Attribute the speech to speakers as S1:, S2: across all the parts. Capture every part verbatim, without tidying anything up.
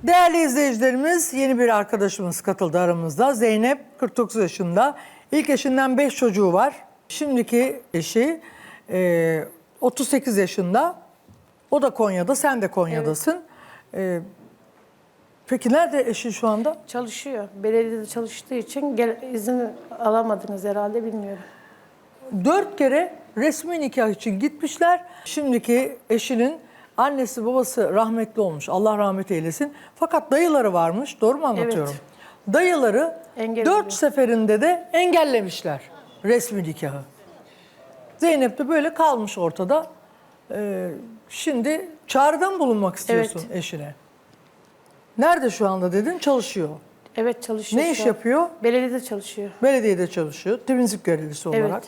S1: Değerli izleyicilerimiz, yeni bir arkadaşımız katıldı aramızda. Zeynep, kırk dokuz yaşında. İlk eşinden beş çocuğu var. Şimdiki eşi e, otuz sekiz yaşında. O da Konya'da, sen de Konya'dasın. E, peki nerede eşin şu anda?
S2: Çalışıyor. Belediyede çalıştığı için gel, izin alamadınız herhalde, bilmiyorum.
S1: Dört kere resmi nikah için gitmişler. Şimdiki eşinin annesi babası rahmetli olmuş. Allah rahmet eylesin. Fakat dayıları varmış. Doğru mu anlatıyorum?
S2: Evet.
S1: Dayıları
S2: Engel
S1: dört
S2: oluyor.
S1: seferinde de engellemişler resmi nikahı. Zeynep de böyle kalmış ortada. Ee, şimdi çağrıdan bulunmak istiyorsun
S2: Evet.
S1: eşine. Nerede şu anda dedin? Çalışıyor.
S2: Evet, çalışıyor.
S1: Ne
S2: şu
S1: iş
S2: an.
S1: yapıyor?
S2: Belediyede çalışıyor.
S1: Belediyede çalışıyor. Temizlik görevlisi olarak.
S2: Evet.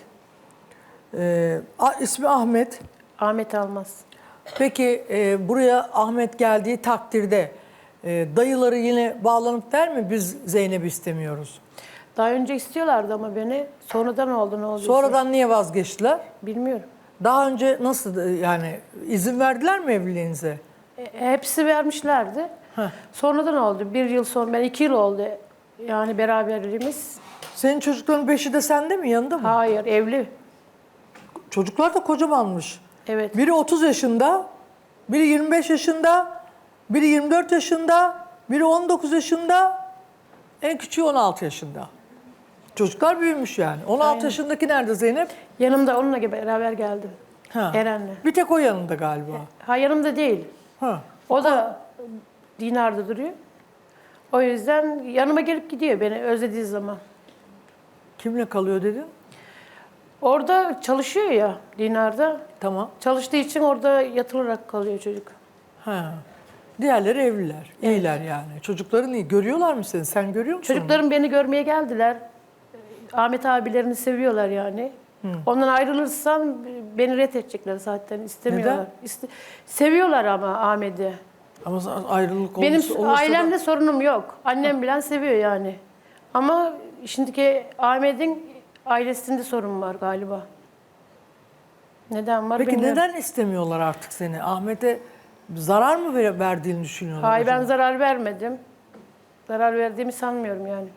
S1: Ee, a- ismi Ahmet.
S2: Ahmet Almaz.
S1: Peki e, buraya Ahmet geldiği takdirde e, dayıları yine bağlanıp der mi biz Zeynep'i istemiyoruz?
S2: Daha önce istiyorlardı ama beni. Sonradan oldu, ne olduysa.
S1: Sonradan niye vazgeçtiler?
S2: Bilmiyorum.
S1: Daha önce nasıl e, yani izin verdiler mi evliliğinize?
S2: E, hepsi vermişlerdi.
S1: Heh.
S2: Sonradan oldu. Bir yıl sonra, ben iki yıl oldu yani beraberliğimiz.
S1: Senin çocukların beşi de sende mi, yanında mı?
S2: Hayır, evli.
S1: Çocuklar da kocamanmış.
S2: Evet.
S1: Biri otuz yaşında, biri yirmi beş yaşında, biri yirmi dört yaşında, biri on dokuz yaşında, en küçüğü on altı yaşında. Çocuklar büyümüş yani. on altı
S2: Aynen.
S1: yaşındaki nerede Zeynep?
S2: Yanımda onunla beraber geldim.
S1: Ha.
S2: Eren'le.
S1: Bir tek o yanında galiba.
S2: Ha, yanımda değil.
S1: Ha.
S2: O da Dinar'da duruyor. O yüzden yanıma gelip gidiyor beni özlediği zaman.
S1: Kimle kalıyor dedin?
S2: Orada çalışıyor ya Dinar'da.
S1: Tamam.
S2: Çalıştığı için orada yatılarak kalıyor çocuk.
S1: Ha. Diğerleri evliler. İyiler yani. Çocukların iyi. Görüyorlar mı seni? Sen görüyor musun?
S2: Çocuklarım beni görmeye geldiler. Ahmet abilerini seviyorlar yani. Ondan ayrılırsam beni ret edecekler zaten. İstemiyorlar.
S1: Neden?
S2: İste- Seviyorlar ama Ahmet'i.
S1: Ama ayrılık
S2: Benim
S1: olursa, olursa
S2: ailemde
S1: da...
S2: sorunum yok. Annem bilen seviyor yani. Ama şimdiki Ahmet'in ailesinde sorun var galiba. Neden var
S1: Peki
S2: bilmiyorum.
S1: neden istemiyorlar artık seni? Ahmet'e zarar mı ver- verdiğini düşünüyorlar?
S2: Hayır, ben
S1: acaba?
S2: zarar vermedim. Zarar verdiğimi sanmıyorum yani.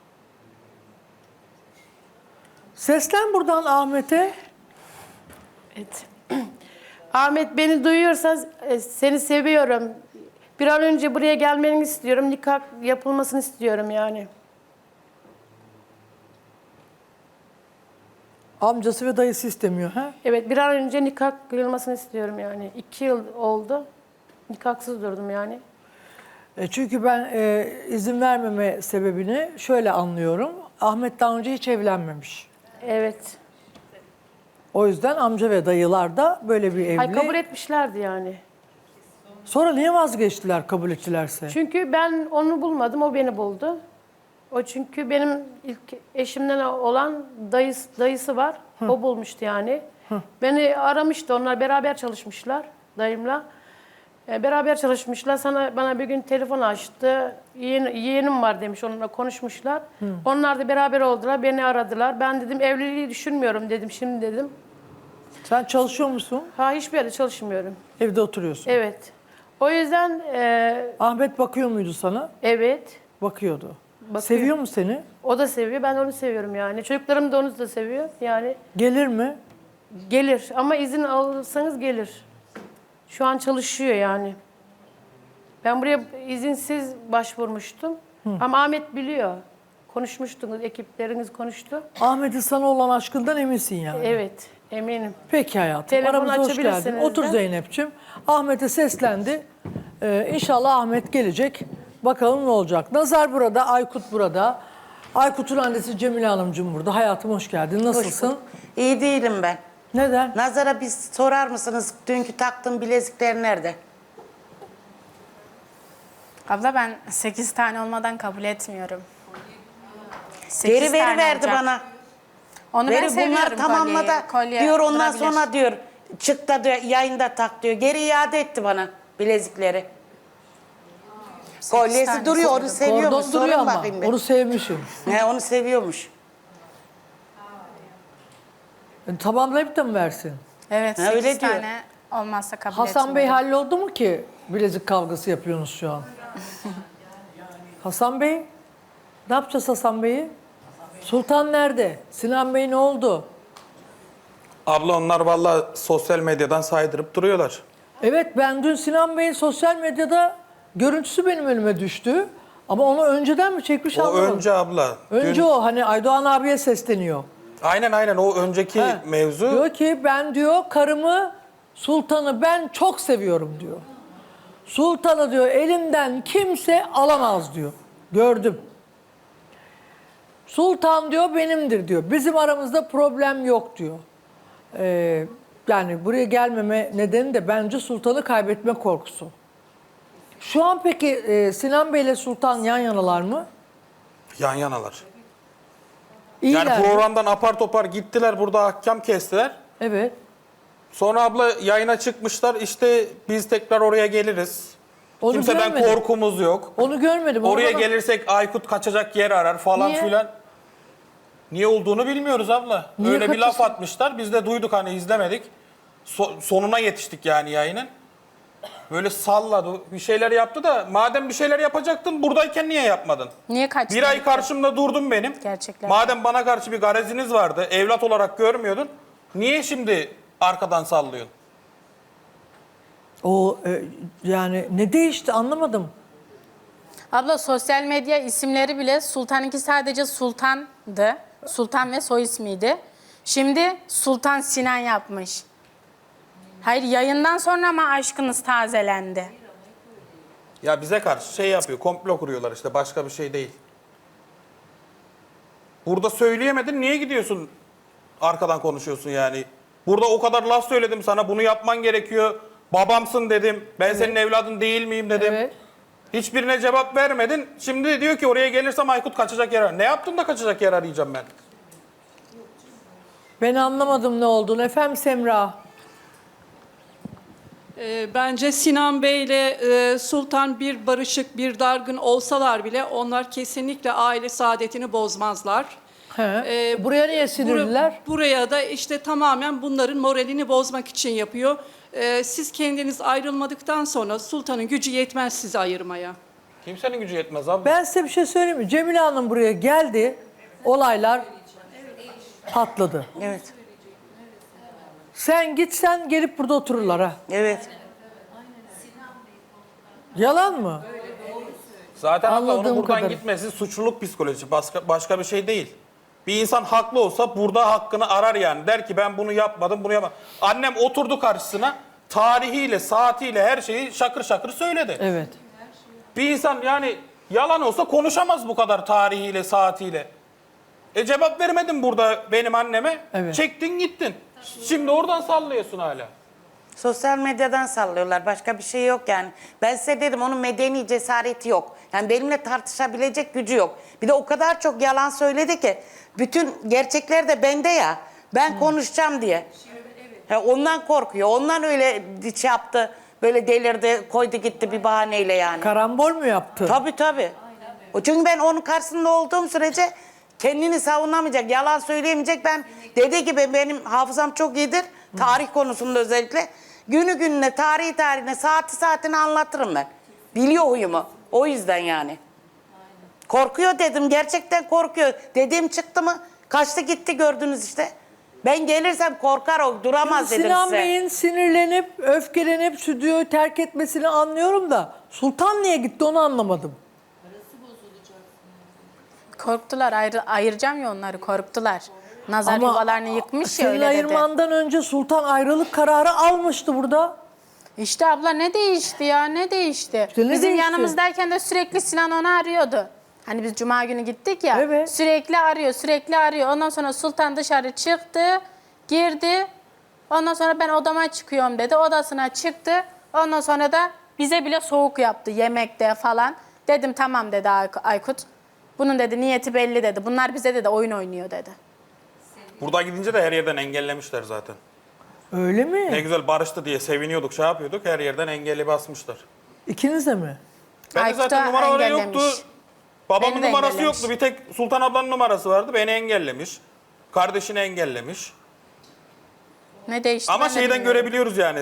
S1: Seslen buradan Ahmet'e.
S2: Evet. Ahmet, beni duyuyorsa e, seni seviyorum. Bir an önce buraya gelmeni istiyorum. Nikah yapılmasını istiyorum yani.
S1: Amcası ve dayısı istemiyor. Ha?
S2: Evet, bir an önce nikah kıyılmasını istiyorum yani. İki yıl oldu. Nikahsız durdum yani.
S1: E çünkü ben e, izin vermeme sebebini şöyle anlıyorum. Ahmet daha önce hiç evlenmemiş.
S2: Evet.
S1: O yüzden amca ve dayılar da böyle bir evli.
S2: Ay, kabul etmişlerdi yani.
S1: Sonra niye vazgeçtiler kabul ettilerse?
S2: Çünkü ben onu bulmadım, o beni buldu. O çünkü benim ilk eşimden olan dayısı, dayısı var. O bulmuştu yani. Beni aramıştı, onlar beraber çalışmışlar dayımla. E, beraber çalışmışlar. Sana bana bir gün telefon açtı. Yeğen, yeğenim var demiş, onunla konuşmuşlar. Onlar da beraber oldular, beni aradılar. Ben dedim evliliği düşünmüyorum dedim, şimdi dedim.
S1: Sen çalışıyor musun?
S2: Ha, hiçbir yerde çalışmıyorum.
S1: Evde oturuyorsun.
S2: Evet. O yüzden e,
S1: Ahmet bakıyor muydu sana?
S2: evet.
S1: Bakıyordu.
S2: Bakıyor.
S1: Seviyor mu seni?
S2: O da seviyor, ben onu seviyorum yani. Çocuklarım da onu da seviyor. Yani
S1: Gelir mi?
S2: gelir ama izin alırsanız gelir. Şu an çalışıyor yani. Ben buraya izinsiz başvurmuştum. Ama Ahmet biliyor. Konuşmuştunuz, ekipleriniz konuştu.
S1: Ahmet'in sana olan aşkından eminsin yani.
S2: Evet, eminim.
S1: Peki hayatım.
S2: Telefon
S1: Aramıza hoş geldin.
S2: açabilirsiniz
S1: Otur
S2: de.
S1: Zeynep'ciğim. Ahmet'e seslendi. Ee, İnşallah Ahmet gelecek. Bakalım ne olacak. Nazar burada, Aykut burada. Aykut'un annesi Cemile Hanımcığım burada. Hayatım hoş geldin. Nasılsın?
S3: İyi değilim ben.
S1: Neden?
S3: Nazara bir sorar mısınız dünkü taktığım bilezikler nerede?
S4: Abla, ben sekiz tane olmadan kabul etmiyorum.
S3: Geri
S4: sekiz
S3: veri
S4: tane
S3: verdi
S4: olacak.
S3: bana.
S4: Onu ben
S3: Veri
S4: seviyorum,
S3: bunlar tamamla da
S4: kolyeyi. Kolye
S3: diyor ondan
S4: durabilir.
S3: sonra diyor çık da diyor, yayında tak diyor. Geri iade etti bana bilezikleri. Kolyesi
S4: tane
S3: duruyor, onu
S4: seviyorum.
S3: seviyormuş.
S1: Kordon duruyor
S3: Sorun
S1: ama.
S3: bakayım bir.
S1: Onu sevmişim.
S3: He, onu seviyormuş.
S1: E, tamamlayıp da mı versin?
S4: Evet,
S3: Ha,
S4: sekiz
S3: öyle diyor.
S4: tane olmazsa kabul
S1: Hasan Bey
S4: etmiyorum.
S1: halloldu mu ki bilezik kavgası yapıyorsunuz şu an? Hasan Bey, ne yapacağız Hasan Bey'i? Sultan nerede? Sinan Bey ne oldu?
S5: Abla onlar vallahi sosyal medyadan saydırıp duruyorlar.
S1: Evet, ben dün Sinan Bey'in sosyal medyada görüntüsü benim önüme düştü. Ama onu önceden mi çekmiş
S5: O
S1: anlamadım.
S5: önce abla.
S1: Önce
S5: Dün-
S1: o hani Aydoğan abiye sesleniyor.
S5: Aynen aynen o önceki
S1: He.
S5: mevzu.
S1: Diyor ki ben diyor karımı, Sultan'ı ben çok seviyorum diyor. Sultan'ı diyor elimden kimse alamaz diyor. Gördüm. Sultan diyor benimdir diyor. Bizim aramızda problem yok diyor. Ee, yani buraya gelmeme nedeni de bence Sultan'ı kaybetme korkusu. Şu an peki e, Sinan Bey ile Sultan yan yanalar mı?
S5: Yan yanalar.
S1: İyiler
S5: Yani
S1: mi?
S5: programdan apar topar gittiler, burada ahkam kestiler.
S1: Evet.
S5: Sonra abla yayına çıkmışlar, işte biz tekrar oraya geliriz.
S1: Onu
S5: Kimseden
S1: görmedim.
S5: korkumuz yok.
S1: Onu görmedim. Onu
S5: Oraya
S1: bana-
S5: gelirsek Aykut kaçacak yer arar falan
S1: Niye?
S5: filan. Niye olduğunu bilmiyoruz abla.
S1: Niye
S5: Öyle bir laf
S1: kaçırsın?
S5: atmışlar. Biz de duyduk, hani izlemedik. So- sonuna yetiştik yani yayının. Böyle salladı, bir şeyler yaptı da madem bir şeyler yapacaktın buradayken niye yapmadın?
S4: Niye kaçtın?
S5: Bir ay karşımda durdun benim.
S4: Gerçekler.
S5: Madem bana karşı bir gareziniz vardı, evlat olarak görmüyordun. Niye şimdi arkadan sallıyorsun?
S1: O e, yani ne değişti anlamadım.
S4: Abla sosyal medya isimleri bile Sultan'ınki sadece Sultan'dı. Sultan ve soy ismiydi. Şimdi Sultan Sinan yapmış. Hayır, yayından sonra ama aşkınız tazelendi.
S5: Ya bize karşı şey yapıyor, komplo kuruyorlar işte, başka bir şey değil. Burada söyleyemedin, niye gidiyorsun arkadan konuşuyorsun yani? Burada o kadar laf söyledim sana, bunu yapman gerekiyor. Babamsın dedim, ben senin evladın değil miyim dedim.
S1: Evet.
S5: Hiçbirine cevap vermedin. Şimdi diyor ki oraya gelirsem Aykut kaçacak yer arar. Ne yaptın da kaçacak yer arayacağım ben?
S1: Ben anlamadım ne olduğunu. Efendim Semra.
S6: E, Bence Sinan Bey ile e, Sultan bir barışık, bir dargın olsalar bile onlar kesinlikle aile saadetini bozmazlar.
S1: He.
S6: E,
S1: Buraya niye
S6: bura-
S1: sinirliler?
S6: buraya da işte tamamen bunların moralini bozmak için yapıyor. E, siz kendiniz ayrılmadıktan sonra Sultan'ın gücü yetmez sizi ayırmaya.
S5: Kimsenin gücü yetmez abi.
S1: Ben size bir şey söyleyeyim mi? Cemile Hanım buraya geldi. Olaylar patladı.
S3: Evet.
S1: Sen gitsen gelip burada otururlar ha.
S3: Evet.
S1: Yalan mı?
S5: Zaten abla onun
S1: Anladığım
S5: buradan
S1: kadarı.
S5: gitmesi suçluluk psikolojisi. Başka, başka bir şey değil. Bir insan haklı olsa burada hakkını arar yani. Der ki ben bunu yapmadım, bunu yapmadım. Annem oturdu karşısına, tarihiyle, saatiyle her şeyi şakır şakır söyledi.
S1: Evet.
S5: Bir insan yani yalan olsa konuşamaz bu kadar tarihiyle, saatiyle. E cevap vermedin burada benim anneme.
S1: Evet.
S5: Çektin gittin. Şimdi oradan sallıyorsun hala.
S3: Sosyal medyadan sallıyorlar. Başka bir şey yok yani. Ben size dedim onun medeni cesareti yok. Yani benimle tartışabilecek gücü yok. Bir de o kadar çok yalan söyledi ki bütün gerçekler de bende ya. Ben konuşacağım diye. Ya ondan korkuyor. Ondan öyle şey yaptı. Böyle delirdi, koydu gitti bir bahaneyle yani.
S1: Karambol mu yaptı?
S3: Tabii tabii. O çünkü ben onun karşısında olduğum sürece kendini savunamayacak, yalan söyleyemeyecek. Ben dediği gibi benim hafızam çok iyidir. Tarih konusunda özellikle. Günü gününe, tarihi tarihine, saati saatine anlatırım ben. Biliyor huyumu. O yüzden yani. Korkuyor dedim. Gerçekten korkuyor. Dediğim çıktı mı? Kaçtı gitti gördünüz işte. Ben gelirsem korkar o. Duramaz dedim
S1: Sinan
S3: size.
S1: Bey'in sinirlenip, öfkelenip stüdyoyu terk etmesini anlıyorum da Sultan niye gitti onu anlamadım.
S4: Korktular, ayrı, ayıracağım ya onları, korktular. Nazar yuvalarını yıkmış ya,
S1: senin
S4: öyle dedi.
S1: ayırmandan önce Sultan ayrılık kararı almıştı burada.
S4: İşte abla ne değişti ya, ne değişti?
S1: İşte ne
S4: Bizim
S1: değişti?
S4: yanımızdayken de sürekli Sinan onu arıyordu. Hani biz cuma günü gittik ya,
S1: Evet.
S4: sürekli arıyor, sürekli arıyor. Ondan sonra Sultan dışarı çıktı, girdi. Ondan sonra ben odama çıkıyorum dedi, odasına çıktı. Ondan sonra da bize bile soğuk yaptı yemekte falan. Dedim tamam dedi Ay- Aykut. Bunun dedi niyeti belli dedi. Bunlar bize dedi oyun oynuyor dedi.
S5: Burada gidince de her yerden engellemişler zaten.
S1: Öyle mi?
S5: Ne güzel barıştı diye seviniyorduk, şey yapıyorduk. Her yerden engelli basmışlar.
S1: İkiniz de mi?
S5: Ben de
S4: Aykut'a
S5: zaten numaraları
S4: engellemiş.
S5: yoktu. Babamın
S4: Beni de
S5: numarası
S4: engellemiş.
S5: yoktu. Bir tek Sultan ablanın numarası vardı. Beni engellemiş. Kardeşini engellemiş.
S4: Ne değişti?
S5: Ama
S4: ben de
S5: şeyden
S4: bilmiyorum.
S5: görebiliyoruz yani.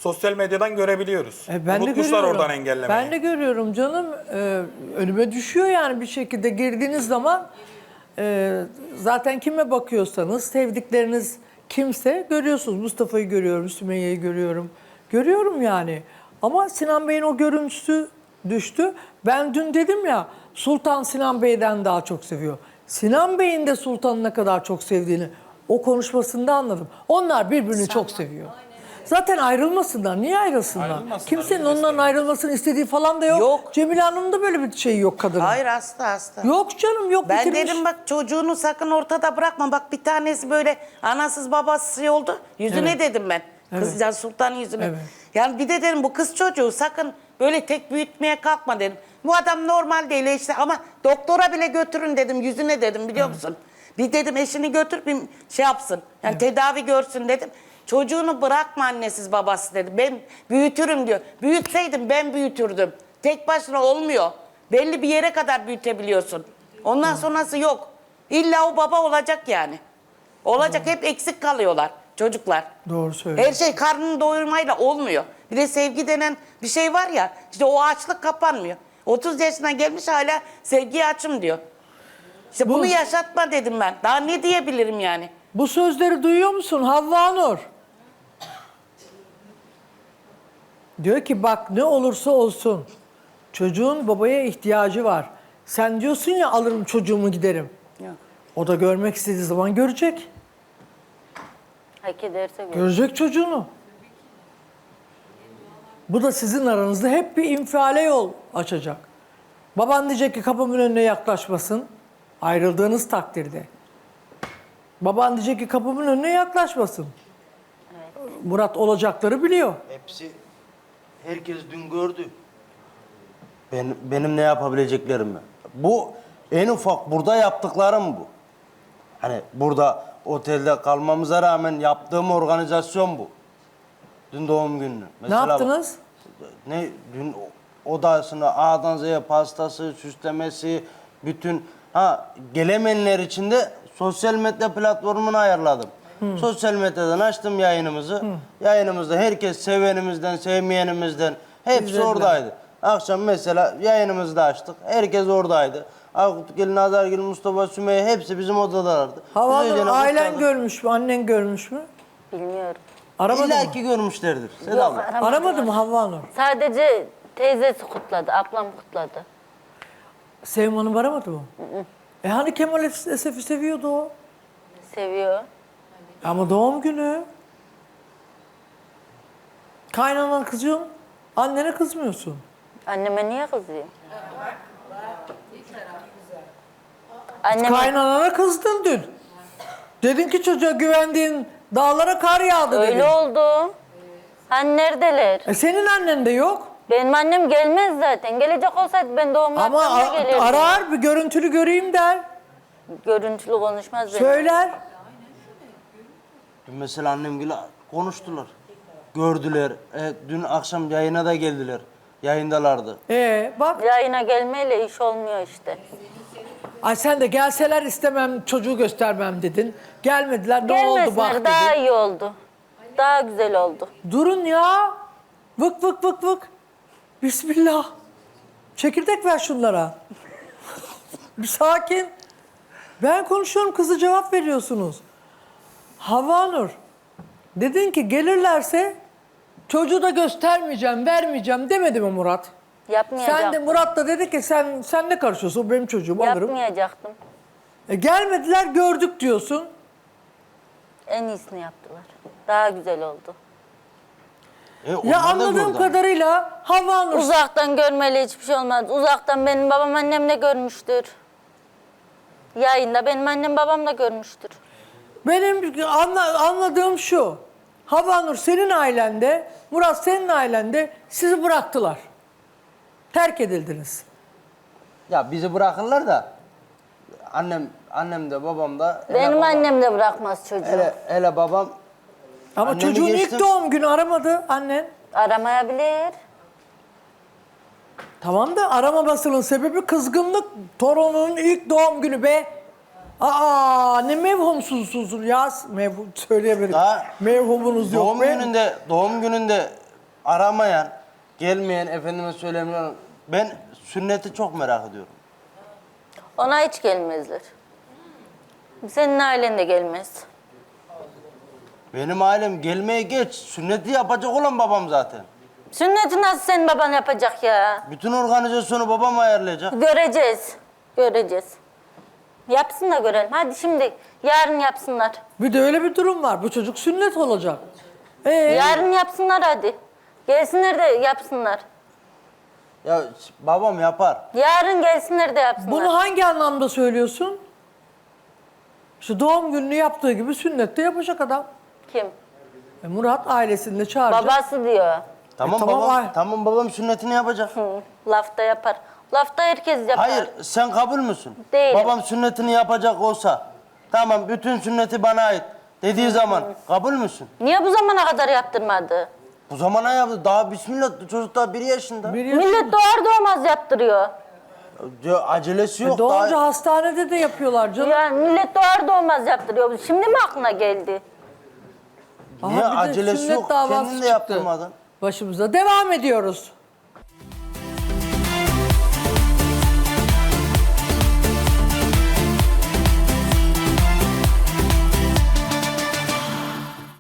S5: Sosyal medyadan görebiliyoruz.
S1: E, ben de
S5: Unutmuşlar
S1: görüyorum.
S5: oradan engellemeyi.
S1: Ben de görüyorum canım. Ee, önüme düşüyor yani bir şekilde girdiğiniz zaman e, zaten kime bakıyorsanız sevdikleriniz kimse görüyorsunuz. Mustafa'yı görüyorum, Sümeyye'yi görüyorum. Görüyorum yani. Ama Sinan Bey'in o görüntüsü düştü. Ben dün dedim ya Sultan Sinan Bey'den daha çok seviyor. Sinan Bey'in de Sultan'ı ne kadar çok sevdiğini o konuşmasında anladım. Onlar birbirini çok seviyor. Zaten ayrılmasınlar. Niye ayrılsınlar?
S5: Ayrılmasınlar,
S1: Kimsenin
S5: biz de
S1: onların
S5: istemiyoruz.
S1: ayrılmasını istediği falan da yok.
S3: Yok.
S1: Cemile Hanım'ın da böyle bir şeyi yok kadının.
S3: Hayır hasta hasta.
S1: Yok canım yok.
S3: Ben
S1: bitirmiş.
S3: dedim bak çocuğunu sakın ortada bırakma. Bak bir tanesi böyle anasız babasız şey oldu. Yüzüne
S1: Evet.
S3: dedim ben. Kızcan Sultan'ın yüzüne.
S1: Evet.
S3: Yani bir de dedim bu kız çocuğu sakın böyle tek büyütmeye kalkma dedim. Bu adam normal değil işte ama doktora bile götürün dedim. Yüzüne dedim biliyor musun? Bir dedim eşini götür bir şey yapsın. Yani tedavi görsün dedim. Çocuğunu bırakma annesiz babası dedi. Ben büyütürüm diyor. Büyütseydim ben büyütürdüm. Tek başına olmuyor. Belli bir yere kadar büyütebiliyorsun. Ondan sonrası yok. İlla o baba olacak yani. Olacak hep eksik kalıyorlar çocuklar.
S1: Doğru söylüyor.
S3: Her şey karnını doyurmayla olmuyor. Bir de sevgi denen bir şey var ya. İşte o açlık kapanmıyor. otuz yaşına gelmiş hala sevgiye açım diyor. İşte
S1: Bu-
S3: bunu yaşatma dedim ben. Daha ne diyebilirim yani?
S1: Bu sözleri duyuyor musun Havva Nur? Diyor ki bak ne olursa olsun çocuğun babaya ihtiyacı var. Sen diyorsun ya alırım çocuğumu giderim.
S3: Yok.
S1: O da görmek istediği zaman görecek.
S7: Hak ederse gör.
S1: Görecek çocuğunu. Bu da sizin aranızda hep bir infiale yol açacak. Baban diyecek ki kapımın önüne yaklaşmasın. Ayrıldığınız takdirde. Baban diyecek ki kapımın önüne yaklaşmasın. Murat olacakları biliyor.
S8: Hepsi, herkes dün gördü. Ben, benim ne yapabileceklerimi. Bu en ufak burada yaptıklarım bu. Hani burada otelde kalmamıza rağmen yaptığım organizasyon bu. Dün doğum günü.
S1: Ne yaptınız?
S8: Ne dün odasını A'dan Z'ye pastası, süslemesi, bütün ha gelemeyenler için de sosyal medya platformunu ayarladım. Sosyal medyadan açtım yayınımızı. Yayınımızda herkes sevenimizden, sevmeyenimizden hepsi
S1: İzlediler.
S8: oradaydı. Akşam mesela yayınımızı da açtık. Herkes oradaydı. Akutgil, Nazargil, Mustafa, Sümeyye hepsi bizim odadalardı. Biz
S1: Hava
S8: öylece
S1: ailen
S8: kutladık.
S1: görmüş mü? Annen görmüş mü?
S7: Bilmiyorum.
S1: Aramadı
S8: İlla
S1: mı?
S8: ki görmüşlerdir. Selam.
S7: Yok, aramadılar.
S1: Aramadı mı Havva Nur?
S7: Sadece teyzesi kutladı, ablam kutladı.
S1: Sevim Hanım aramadı mı? E hani Kemal Esef'i seviyordu o?
S7: Seviyor.
S1: Ama doğum günü. Kaynanan kızıyorsun, annene kızmıyorsun.
S7: Anneme niye kızıyor? Anneme
S1: Kaynanana kızdın dün. Dedin ki çocuğa güvendiğin dağlara kar yağdı dedin.
S7: öyle oldu. Hani neredeler?
S1: E senin annen de yok.
S7: Benim annem gelmez zaten. Gelecek olsaydı ben doğum
S1: Ama
S7: yaptığımda
S1: a-
S7: gelirdim.
S1: arar bir görüntülü göreyim der.
S7: Görüntülü konuşmaz benim.
S1: Söyler.
S8: Dün mesela annemgile konuştular. Gördüler. E, dün akşam yayına da geldiler. Yayındalardı.
S1: E bak.
S7: Yayına gelmeyle iş olmuyor işte.
S1: Ay sen de gelseler istemem çocuğu göstermem dedin. Gelmediler ne oldu bak
S7: Gelmesinler
S1: dedin.
S7: daha iyi oldu. Daha güzel oldu.
S1: Durun ya. Vık vık vık vık. Bismillah. Çekirdek ver şunlara. Bir sakin. Ben konuşuyorum kızı cevap veriyorsunuz. Havva Nur. Dedin ki gelirlerse çocuğu da göstermeyeceğim, vermeyeceğim demedi mi Murat?
S7: Yapmayacaktım.
S1: Sen de Murat da dedi ki sen sen ne karışıyorsun? O benim çocuğum alırım.
S7: Yapmayacaktım.
S1: E, gelmediler gördük diyorsun.
S7: En iyisini yaptılar. Daha güzel oldu.
S8: E, onlar
S1: Ya
S8: da
S1: anladığım
S8: gördü.
S1: kadarıyla Havva Nur
S7: Uzaktan görmeli hiçbir şey olmaz. Uzaktan benim babam annem de görmüştür. Yayında benim annem babam da görmüştür.
S1: benim anla- anladığım şu. Havva Nur senin ailende, Murat senin ailende sizi bıraktılar. Terk edildiniz.
S8: Ya bizi bırakırlar da annem annem de babam da hele
S7: Benim
S8: babam-
S7: annem de bırakmaz çocuğu.
S8: hele, hele babam
S1: Ama
S8: Annemi
S1: çocuğun ilk
S8: geçtim.
S1: doğum günü aramadı annen.
S7: Aramayabilir.
S1: Tamam da aramamasının sebebi kızgınlık. Torunun ilk doğum günü be. Aa ne mevhumsuzsunuz ya. Mevhum söyleyemedim.
S8: Daha
S1: Mevhumunuz yok
S8: doğum
S1: be.
S8: gününde doğum gününde aramayan, gelmeyen, efendime söylemiyorum. Ben sünneti çok merak ediyorum.
S7: Ona hiç gelmezler. Senin ailen de gelmez.
S8: Benim ailem gelmeye geç. Sünneti yapacak olan babam zaten.
S7: Sünneti nasıl senin baban yapacak ya?
S8: Bütün organizasyonu babam ayarlayacak.
S7: Göreceğiz. Göreceğiz. Yapsın da görelim. Hadi şimdi yarın yapsınlar.
S1: Bir de öyle bir durum var. Bu çocuk sünnet olacak. Ee,
S7: Yarın yapsınlar hadi. Gelsinler de yapsınlar.
S8: Ya babam yapar.
S7: Yarın gelsinler de yapsınlar.
S1: bunu hangi anlamda söylüyorsun? İşte doğum gününü yaptığı gibi sünnette yapacak adam.
S7: Kim?
S1: E, Murat ailesini de çağıracak.
S7: Babası diyor.
S8: Tamam,
S1: tamam,
S8: babam,
S1: ay.
S8: tamam babam sünnetini yapacak.
S7: Hı, lafta yapar. Lafta herkes yapar.
S8: Hayır, sen kabul müsün?
S7: Değilim.
S8: Babam sünnetini yapacak olsa, tamam bütün sünneti bana ait dediği zaman kabul müsün?
S7: Niye bu zamana kadar yaptırmadı?
S8: Bu zamana yaptı. Daha bismillah çocuk daha bir yaşında.
S1: Bir yaşında.
S7: Millet doğar doğmaz yaptırıyor.
S8: Ya, acelesi yok.
S1: E, Doğunca
S8: daha...
S1: hastanede de yapıyorlar canım.
S7: Yani millet doğar doğmaz yaptırıyor. Şimdi mi aklına geldi?
S1: Aha,
S8: Niye
S1: bir de
S8: acelesi
S1: sünnet
S8: yok?
S1: davası
S8: Kendin de
S1: çıktı
S8: yaptırmadın.
S1: Başımıza. Devam ediyoruz.